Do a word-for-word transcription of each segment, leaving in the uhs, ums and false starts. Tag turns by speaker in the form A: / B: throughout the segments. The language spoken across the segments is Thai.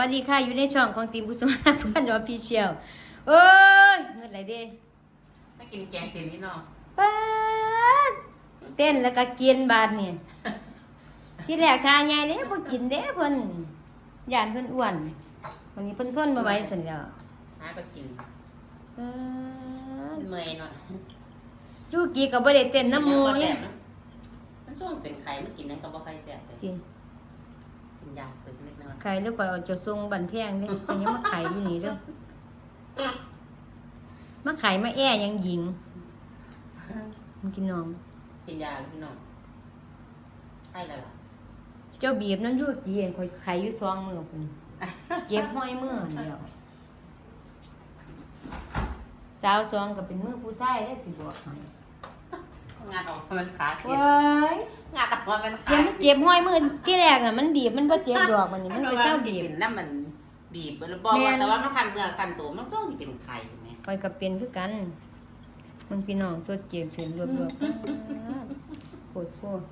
A: สวัสดีค่ะอยู่ในช่องของทีมกุศลพันธ์ออฟฟิเชียลเอ้ยเงินไหลเด้
B: ไม่กินแกงเต็มนี่เนาะ
A: ป๊าดเต้นแล้วก็กินบาดนี่ที่แรกทานใหญ่เด้บ่กินเด้เพิ่นย่านเพิ่นอ้วนวันนี้เพิ่นทนบ่ไหวซั่นแล้ว
B: หาไปกิน
A: เออ
B: เมื่อยหน่อย
A: จูกี้ก็บ่ได้เต้นน้ำหมู่
B: เนี่ยมันช่วงเป็นไข่มันกินนั่นก็บ่ค่อยแซ่บเลย
A: จริง
B: กินยาตึกนิดนึง
A: ไข่แล้วข่อยเอาจะส่งบันแพงเด้จังยังมาไข่อยู่นี่เด้อมาไข่มาแอ้ยังหญิงมันกินน้อง
B: กินยาพี่น้องให้เลยล่ะ
A: เจ้าบีบนั้นยั่วกี้เห็นข่อยไข่อยู่สองมือพุ่นเจ็บห้อยมือเดียวสาวสองก็เป็นมือผู้ชายได้สิบอกให้
B: งานออกมันขาเจ็บงานออกมัน
A: ขาเจ็บเจ็บห้อยมือที่แรกน่ะมันบีบมันบ่เจ็บดอกมันนี่มันไปเศร้าบีบ
B: นั่นมันบีบบอกว่าแต่ว่ามันคันเนื้อคันตัวมันต้องเป็นไข่ไหม
A: ข่อยก็เป็นคือกันมันพี่น้องสดเจียงเสียงรวบๆโคตรโคตร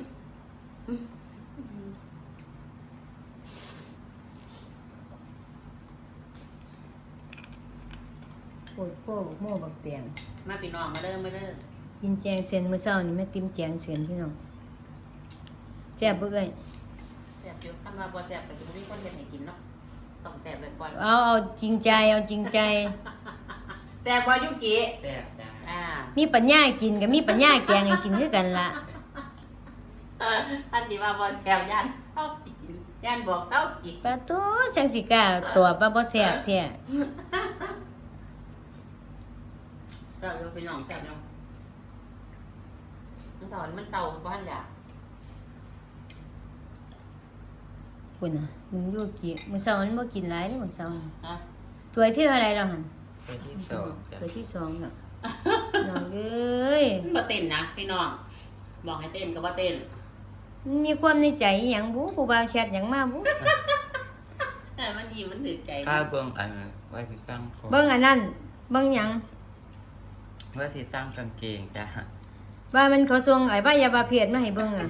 A: โคตรโคตรโม่บักเตียง
B: มาพี่น้องมาเด้อมาเด้อ
A: กินแจงเสียนมื้อเช้านี่แม่ติ้มแจงเสียนพี่น้องแซ่บบ่เอ้ย
B: แซ่บอยู่คันว่าบ่แซ่บก็สิบ่มีคนเฮ็ดให้กินเนาะต้องแซ่บไว้ก่อน
A: เอาเอาจริงใจเอาจริงใจ
B: แซ่บบ่ยุกิ
C: แซ่บจ้า
A: อ่ามีปัญญากินก็มีปัญญาแกงให้กินคือกันล่ะ
B: อันที่ว่าบ่แซ่บย่านเซากินย่านบอกเซากิน
A: ปะโตจังสิกล้าตัวปะบ่แซ่บแท้
B: ก็อยู่พี่น้องแซ่บเนาะมันตอนมันเตาบ่ทันอยาก
A: พุ่นน่ะมึงอยู่กี่มื้อเช้ามันบ่กินหลายเด้อมื้อเช้า
B: ฮะ
A: ถ้วยที่เท่าไหร่แล้วหั่น
C: ตัวที่สอง
A: ถ้วยที่สองน่ะน้องเอ้ย
B: บ่เต้นนะพี่น้องบอกให้เต้นก็บ่เต้น
A: มันมีความในใจอีหยังบุผู้บ่าวแชทหยังมาบุ
B: เออมันยิ้มมันถึกใจ
C: ข้าเบิ่งอันว่าสิสร้างของ
A: เบิ่งอันนั้นเบิ่งหยัง
C: ว่าสิสร้างกางเกงจ้า
A: ว่ามันเขาส่งไอ้บ้ายาบาเพียดมาให้เบิ่งอ่ะ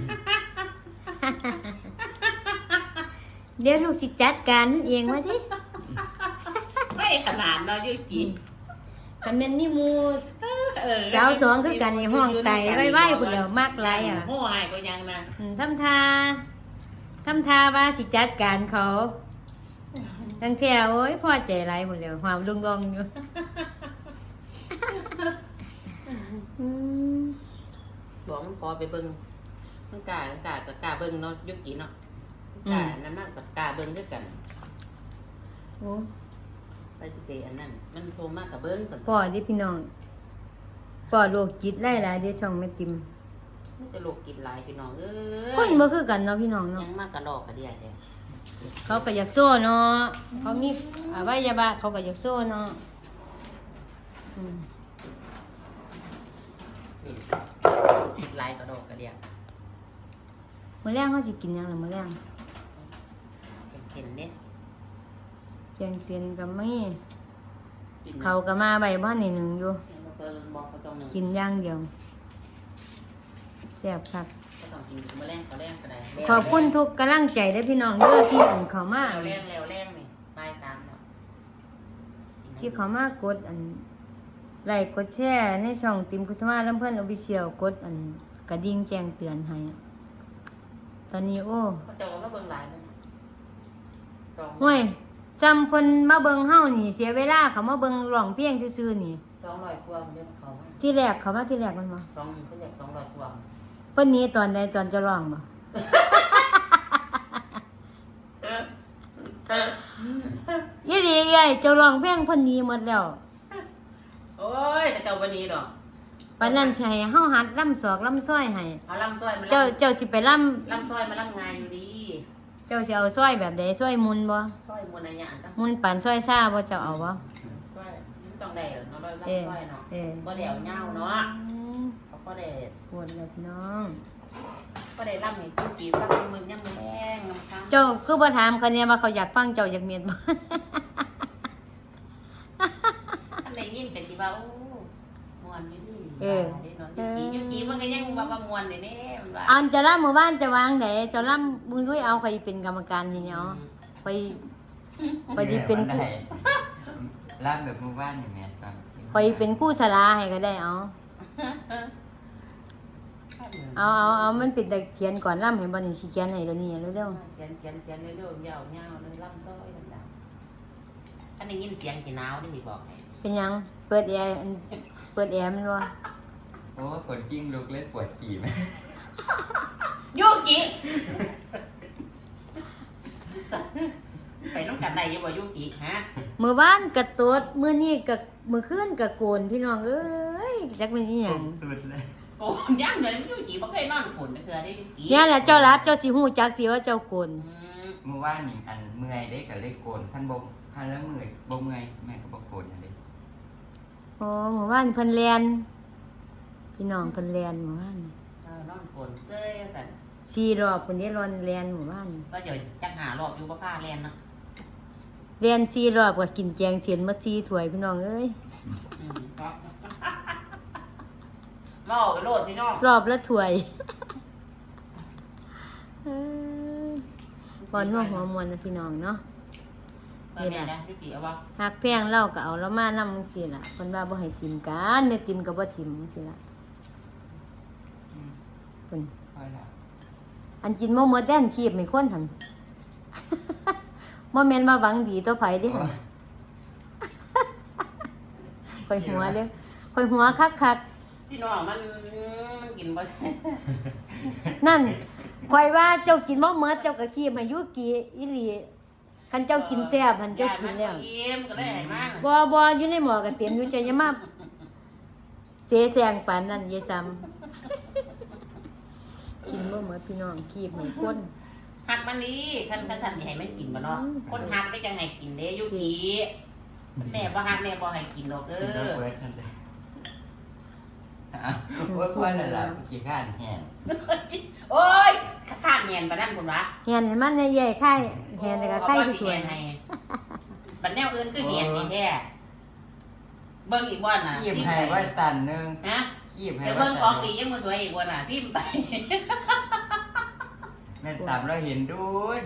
A: เดี๋ยวลูกสิจัดการเองว่าดิ
B: ไม่ขนาดเนาะยุกิ
A: คันแม่นมีหมู่สาวสองคือกันในห้องไตไว้ๆพุ่นแล้วมากหลายอ่ะ
B: โหหายก็ยังนะ
A: อืมทำท่าทำท่าว่าสิจัดการเขาทั้งแท้โอ้ยพอใจหลายพุ่นแล้วหวามลุงงอยู่
B: อืมบอกมันพอไปเบิ่งมันกล้ากล้าก็กล้าเบิ่งเนาะยุกิเนาะกล้านั่นมากก็กล้าเบิ่งด้วยกัน
A: โอ้
B: ไปสิเตอันนั้นมันโทรมากกับเบิ่งก่อน
A: พ่อดิพี่น้องพ่อโรคจิตหลายๆเด้ช่องแม่ติม
B: มันจะโรคจิตหลายพี่น้องเอ้ย
A: คนบ่คือกันเนาะพี่น้องเนาะ
B: ยังมากกระดอกกระเดียแท้
A: เขาก็อยากโซ่เนาะเขามีอวัยวะเขาก็อยากโซ่เนาะอืม
B: หลายกระดอกกระเดีย
A: มื้อแรงเขาสิกินหยังล่ะมื้อแรง
B: เห็นเนี่ย
A: แกงเส้นก็มีเขาก็มาใบบ้านนี่หนึ่งอยู่กินอย่างเดียวแซ่บครับขอบคุณทุกกำลังใจได้พี่น้องเด้อที่อันเขามา
B: แรงแล้วแรงนี่ปลายสามเนาะ
A: ที่เขามากดอันไลค์กดแชร์ในช่องติมกุศลลำเพิ่นออฟฟิเชียลกดอันกระดิ่งแจ้งเตือนให้ตอนนี้โอ้
B: เขาจะมาเบิ่งหลายเลย
A: ห่วยซ้ำเพิ่นมาเบิ่งเฮานี่เสียเวลาเขามาเบิ่งร้องเพลงซื่อๆนี่
B: สองร้อยกว่าเด้อเขา
A: ที่แรกเขามาที่แรกมันบ่
B: สองเขาเรียกสองร้อยกว่า
A: เพิ่นหนีตอนใดตอนจะร้องบ่ยี่หลีใหญ่เจ้าร้องเพลงเพิ่นหนีหมดแล้ว
B: โอ้ยแต่เจ้าบ่หนีดอก
A: ปานนั้นสิให้เฮาหัดล่ำศอกล่ำซ้อยให้
B: เอาล่ำซ้อยมา
A: เจ้าเจ้าสิไปล่ำ
B: ล่ำซ้อยมาล่ำงานอยู่ดี
A: เจ้าสิเอาซ้อยแบบใดซ้อยมุนบ่
B: ซ้อยมุนอะไรอย่างก็
A: มุนปานซ้อยซ่าบ่เจ้าเอาบ่
B: ซ้อยมันต้องได้เนาะล่ำซ้อยเนาะบ่ได้เอาเหย้าเนาะเขาก็ได้
A: ปวดแล้วพี่น้อง
B: ก็ได้ล่ำให้จุกี้ฟังมึงยังแม่งงำ
A: เจ้าคือบ่ถามเขาเนี่ยว่าเขาอยากฟังเจ้าอยากเมียนบ่
B: อันไหนยิ้มแต่สิว่าโอ้ม่วนอยู่ดีเออยุกี้มันก็ยังว่าบ่ม่วนแน่ๆมันว่า
A: อันจะล่ำหมู่บ้านจะวางไดเจ้าล่ำมึงด้วยเอาใครเป็นกรรมการให้เนาะไปข่อยสิเป็น
C: แม่
A: ผู้
C: ว่าได้ร่างแบบหมู่บ้านนี่แม่ตอน
A: ข่อยเป็นผู้สลาให้ก็ได้เอาเอาเอาเอามันเป็นแต่เขียนก่อนล่ำให้บ่นี่สิเขียนให้เดี๋ยวนี้เร็ว
B: เขียนเขียนเขียนเร็วๆยาวๆเลยล่ำซ้อยดังๆอันนี้ยินเสียงกี่หนาวได้สิบอกให้
A: ๆเป็นหยังเปิดแอร์อันเปิดแอร์มันบ่
C: โอ้คนกิ้งลุกเล่นปวดขี่ไหม
B: ยูกิไปน้องกันได้ยังบ่ยูกิฮะ
A: มื้อวานก็ตดมื้อนี้ก็มื้อคืนก็โกนพี่น้องเอ้ยจักเป็นอีหยัง
C: สุดเลย
B: โอ้ย่างเลยยูกิบ่เคยนอนขุนเถื่อได้ยูกิ
A: เนี่ยแหละเจ้ารับเจ้าสิฮู้จักติว่าเจ้าโกน
B: อืม
C: เมื่อว่านนี่อันเมื่อยได้กับเลขโกนขั้นบ่ขั้นแล้วเมื่อยบ่เมื่อยแม่ก็บ่โกนอะไร
A: โอ้หมู่บ้านเพิ่นเรียนพี่น้องเพิ่นเรียนหมู่บ้าน
B: เออนอนขุนเซ้ยสั่น
A: สี่รอบเพิ่นได้รอนเรียนหมู่บ้าน
B: ก็จะจักหารอบอยู่บ่พาเรียนเนาะ
A: เรียนสี่รอบก็กินแจงเสียนมาสี่ถ้วยพี่น้องเอ้ย
B: อืมครับมาออกไปโลดพี่น้อง
A: รอบละถ้วยเอ้ยบอนหัวหัวมวนนะพี่น้องเนาะ
B: เออแม่นะยูกิเอาบ่
A: หักแพงเล่าก็เอาแล้วมานำจังซี่ล่ะเพิ่นว่าบ่ให้กินกันแม่ติมก็บ่ทิ่มจังซี่ล่ะ
C: อืม
A: เพิ่น
C: ค่อยละ
A: อันกินบ่หมดแดนชีพให้คนหั่น บ่แม่นว่าหวังดีต่อไผเด้
C: โอ้
A: หั่น
C: ย
A: ข่อยหัวเด้อข่อยหัวคัก
B: พี่น้องมันมันกินบ่ได้
A: ๆนั่นข่อยว่าเจ้ากินบ่หมดเจ้าก็ขี้มายุกี่อีหลีคันเจ้ากินแซ่บหันเจ้ากินแล้ว
B: ยายมันบ่อิ่มก็เลยให้มัน
A: บ่บ่อยู่ในหม้อก็เต็มอยู่เจ้าอย่ามาเสแสร้งปานนั้นยายซ้ำกินบ่หมดพี่น้องขี้ให้คน
B: หักมันนี่คันคันสั่นสิให้มันกินบ่เนาะคนหักได้จังให้กินเด้ยูกิแม่บ่หักแม่บ่ให้กินดอกเด้
C: กินแล้ว
B: อ
C: เปิดทันเลยอ้าวโอ้ยค่อยละล่ะขี้ข้านแห้ง
B: โอ้ยข้างเงียนปานนั้นพุ่นวะ
A: เฮียนให้มันใหญ่ๆไข่เฮียนแล้วก็ไข่สวย
B: ๆให้บัดแนวอื่นคือเหียนนี่แท้เบิ่งอีกบ่น่ะ
C: ขีบให้ว่าตันหนึง
B: ฮะ
C: ขีบให้
B: แต่
C: ว่า
B: เบิ่งข
C: ตั
B: อน งดียังบ่สวยอีกบ่น่ะพิมพ์ไป
C: แม่ตามเราเห็นดูดู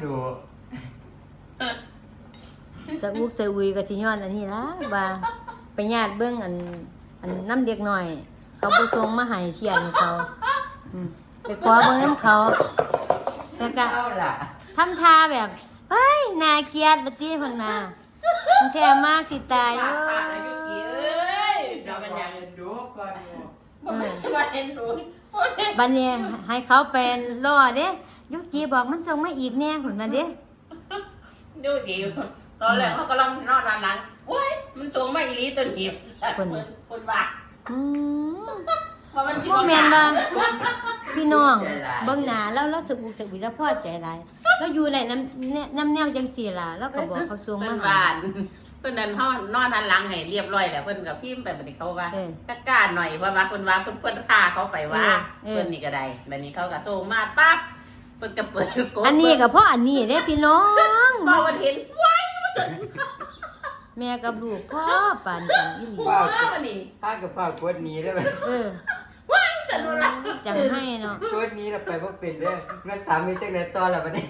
A: ๆสะอุกสะอุยก็สิย้อนอันนี้ล่ะว่าไปญาติเบิ่งอันอันน้ำเด็กน้อย เขาบ่ส่งมาให้เขียนให้เขาอืมไปขอเบิ่งนำเขาแล้วก็
C: เอาล่ะ
A: ทำท่าแบบ เฮ้ย น่าเกลียดบัดนี้พังนามันแท้มากสิตาย
B: ปา
A: เอ้
B: กปากอายุกี่เอ้ย
C: เดี๋
B: เดี๋
C: ย
B: ยว ว
C: มั
B: มัน น
C: อ
B: ยั
C: ยาง กดูก่อนอยู่
B: บ่แม่นว่าเห็นหนูโอ้ย
A: บัดนี้ให้เขาเป็นล่อเด้ยุกีบอกมันส่งมาอีกแน่หุ่นมาเด้
B: ดูดิตอนแรกเขากำลังนอนด้านหลังโอ้ยมันสูงมาอีหลีตัวหนีบคนคนว่า
A: อืม
B: ว่ามันสิ
A: บ่แม่นบ่พี่น้องเบิ่งหน้าแล้วเราสุขสุขวิแล้วพอใจหลายเราอยู่ในน้ำแนน้ำแนวจังซี่ล่ะแล้วก็บอกเขาส่ง
B: เพิ่
A: มาน ให้
B: บ้านเพิ่นนั่นเฮานอนด้านหลังให้เรียบร้อยแล้วเพิ่นก็พิมพ์ไปบัดนี้เขาว่า
A: เออ
B: กล้าหน่อยเพราะว่าเพิ่นว่าเพิ่นเพิ่นพาเขาไปว่า
A: เออ
B: เพิ่นนี่ก็ได้บัดนี้เขาก็โทรมาปั๊บเพิ่นก็เปิดกด
A: อันนี้ก็เพราะอันนี้เด้พี่น้อง
B: พอวันเห็นว้ายมันสน
A: แม่กับลูกพ่อปานกันอีหลี
B: ว้าววันนี้
C: ป้ากับป้ากดหนี้ได้ไหม
A: เออ
B: ว้ายสนุกละ
A: จังให้เนาะ
C: กดหนี้เราไปว่าเป็นเด้อแม่ถามมีจังไหนตอนละบัดนี้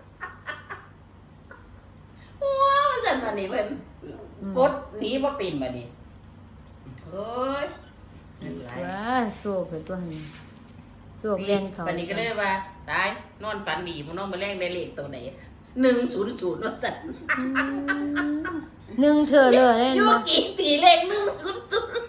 B: ว้าวสนุกวันนี้เพิ่นกดหนีบ่เป็นบัดนี้โอ้ย
A: ว้าโศกเลยตัวนี้โศกเรียนเขา
B: วันนี้ก็เลยว่าตายนอนฝันดีมึงนอนมาแรงได้เลขตัวไหนหนึ่งศูนย์ศูนย์ว่าสั่น
A: อืมหนึ่งเธอเลยเล่น
B: ยู
A: บ่
B: กี่ตีเลขหนึ่งศูนย์ศูนย์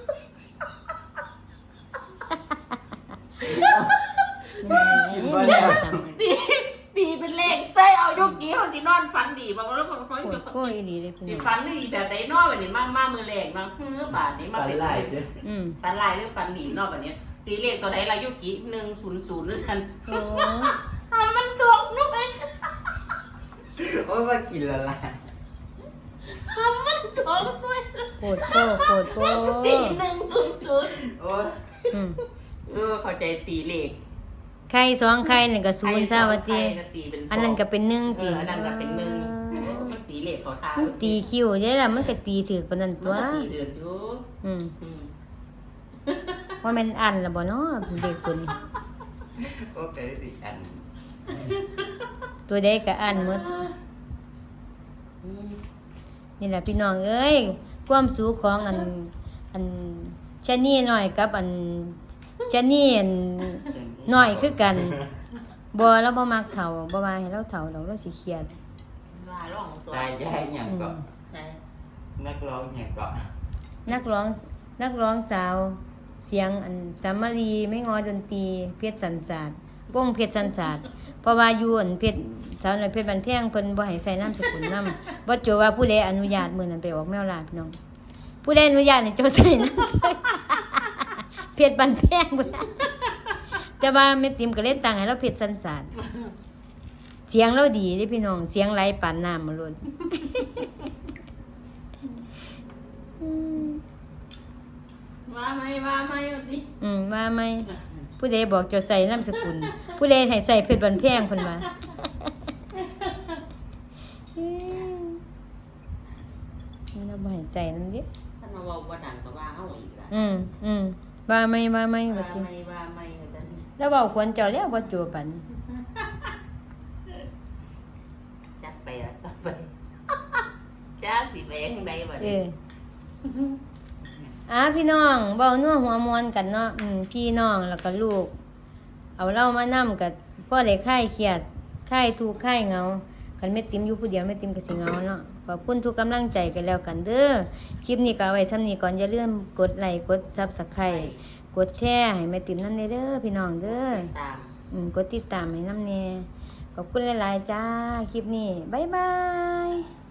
C: กินบ่แล้ว
B: ตีตีเป็นเลขใส่เอายูกี่เขาที่นอนฝันดีบอกว่าแล้วคนเขา
A: โอ้
B: จะ
A: โอ้ยดีเลยพี่
B: สิ
A: น้อง
B: ฝันดีแบบไหนนอกแบบนี้มามามือแรกเนาะคือบาทนี้มา
C: ฝัน
B: เป็น
C: หลายเด้อ
A: อืม
B: ฝันลายหรือฝันดีนอกแบบนี้ตีเลขตัวไหนละยูกี่หนึ่งศูนย์ศูนย์หรือฉัน
A: โอ้
B: ทำมันสองนุ้ย
C: โอ้ยว่ากินละล่ะ
B: ทำมันสองนุ้ย
A: โคตรโคตรโคตรโคตร
B: ตีหนึ่งศูนย์ศูนย์
C: โอ้ย
A: อืม
B: เออเข้าใจตีเลข
A: ไข่สองไข่หนึ่งกับศูนย์ซะว่าติ
B: ใครก็ตีเป็นสง
A: อันนั้นก็เป็นหนึ่ง
B: เอ
A: ติ
B: ออันนั้นก็เป็นหนึ่งมันตีเลขเขาทา
A: มันตีคิวเด้ล่ะมันก็ตีถือปานนั้น
B: มั
A: ตั
B: น
A: ว
B: ก็ตีเดือดอยู่
A: อืม
B: อืม
A: ว่าแม่นอันล่ะบ่เนาะเด็กตัวนี้
C: โอ้แต่ได้ติดอัน
A: ตัวใดก็อันหมด
B: อืม
A: นี่แหละพี่น้องเอ้ยความสูงของอันอันชะนี่น้อยกับอันชะนี่อันน้อยคือกันบ่เราบ่มักเฒ่าบ่ว่าให้เราเฒ่าเราเราสิเครียด
B: ว่าร้องตัว
C: ตายยายอย่างก็
B: ไหน
C: นักร้องอย่างก็
A: นักร้องนักร้องสาว เสียงอันสามมารีไม่งอดนตรีเพชรสันสาดวงเพชรสันสาดเพราะว่าอยู่อันเพชรสาวน้อยเพชรบันแพงเพิ่นบ่ให้ใส่นามสกุลนำบ่โจว่าผู้ใดอนุญาตมื้อนั้นไปออกแมวลาพี่น้องผู้ใดอนุญาตให้เจ้าใส่นามสกุล เพชรบันแพงพุ่นน่ะแต่ว่าแม่ติ๋มก็เล่นตังให้เราเพชรสันสาดเสียงเราดีเด้พี่น้องเสียงไหลปานน้ำมาโลด อืม
B: ว่าไหมว่าไหมเอาสิ
A: อืมว่าไหมผู้ใดบอกจะใส่นามสกุล ผู้ใดให้ใส่เพชรบันแพงเพิ่นว่าอืมเราบ่ให้ใจนำเด้
B: ท่านมาบอกว่าดังก็ว่าเฮาอีกละ
A: อืมอืมว่าไหมว่าไหม
B: ว่า
A: ว่าติ
B: ไหมว่าไหมเอาจัง
A: แล้วเว้าควรเจ้าแล้วบ่จูปัน
B: จักไปละจักไป จักสิแบงใดบัด
A: เอ
B: นี้
A: ออ่าพี่น้องเว้านัวหัวมวนกันเนาะอืมพี่น้องแล้วก็ลูก เอาเรามานํกับพ่อได้คลายเครียดคลายทุกข์คลายเหงาคันแม่ติ๋มอยู่ผู้เดียวแม่ติ๋มก็สิเหงาเนาะขอบคุณทุกกำลังใจกันแล้วกันเด้อคลิปนี้ก็เอาไว้ส่ำนี้ก่อนอย่าลืมกดไลค์กด Subscribe กดแชร์ให้แม่ติ๋มนำเด้อพี่น้องเด้อ
B: ตาม
A: อืมกดติดตามให้นำแน่ขอบคุณหลายๆจ้าคลิปนี้บ๊ายบาย